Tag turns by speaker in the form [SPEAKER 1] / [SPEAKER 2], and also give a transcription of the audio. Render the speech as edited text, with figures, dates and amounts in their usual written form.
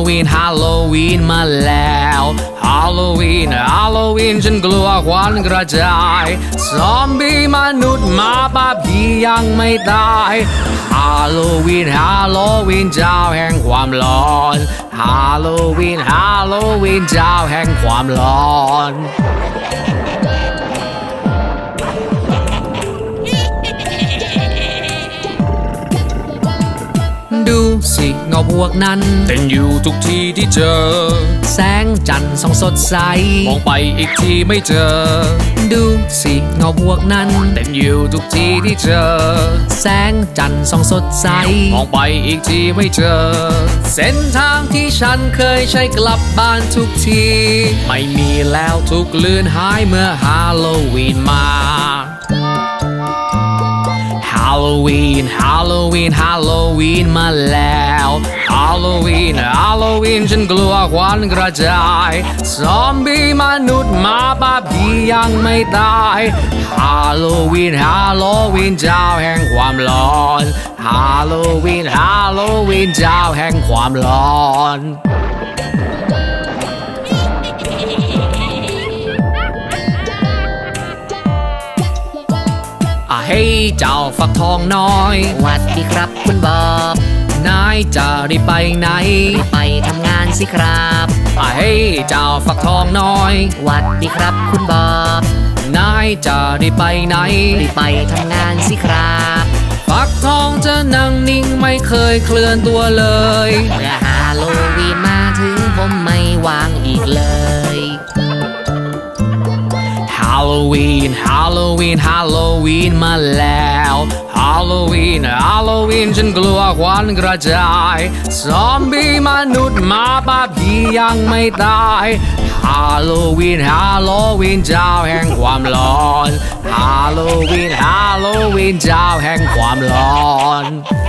[SPEAKER 1] ฮาโลวีนมาแล้วฮาโลวีนฉันกลัวควันกระจายซอมบี้มนุษย์หมาป่าผียังไม่ตายฮาโลวีนเจ้าแห่งความร้อนฮาโลวีนเจ้าแห่งความร้อนดูสิเงาพวกนั้นเต้นอยู่ทุกที่ที่เจอแสงจันทร์ส่องสดใสมองไปอีกทีไม่เจอดูสิเงาพวกนั้นเต้นอยู่ทุกที่ที่เจอแสงจันทร์ส่องสดใสมองไปอีกทีไม่เจอเส้นทางที่ฉันเคยใช้กลับบ้านทุกทีไม่มีแล้วทุกเลือนหายเมื่อฮาโลวีนมาฮาโลวีนมาแล้วฮาโลวีนฉันกลัวควันกระจายซอมบี้มนุษย์หมาป่าผียังไม่ตายฮาโลวีนเจ้าแห่งความร้อนฮาโลวีนเจ้าแห่งความร้อนเฮ้ยเจ้าฝักทองน้อย
[SPEAKER 2] หวัดดีครับคุณบอบ
[SPEAKER 1] นายจะรีบไปไหน
[SPEAKER 2] ไปทำงานสิครับ
[SPEAKER 1] เฮ้ยเจ้าฝักทองน้อย
[SPEAKER 2] หวัดดีครับคุณบอบ
[SPEAKER 1] นายจะรีบไปไหน
[SPEAKER 2] ไปทำงานสิครับ
[SPEAKER 1] ฝักทองจะนั่งนิ่งไม่เคยเคลื่อนตัวเลย
[SPEAKER 2] เมื่อฮาโลวีนมาถึงผมไม่วางอีกเลย
[SPEAKER 1] ฮาโลวีนมาแล้วฮาโลวีนฉันกลัวควันกระจายซอมบี้มนุษย์หมาป่าผียังไม่ตายฮาโลวีนเจ้าแห่งความร้อนฮาโลวีนเจ้าแห่งความร้อน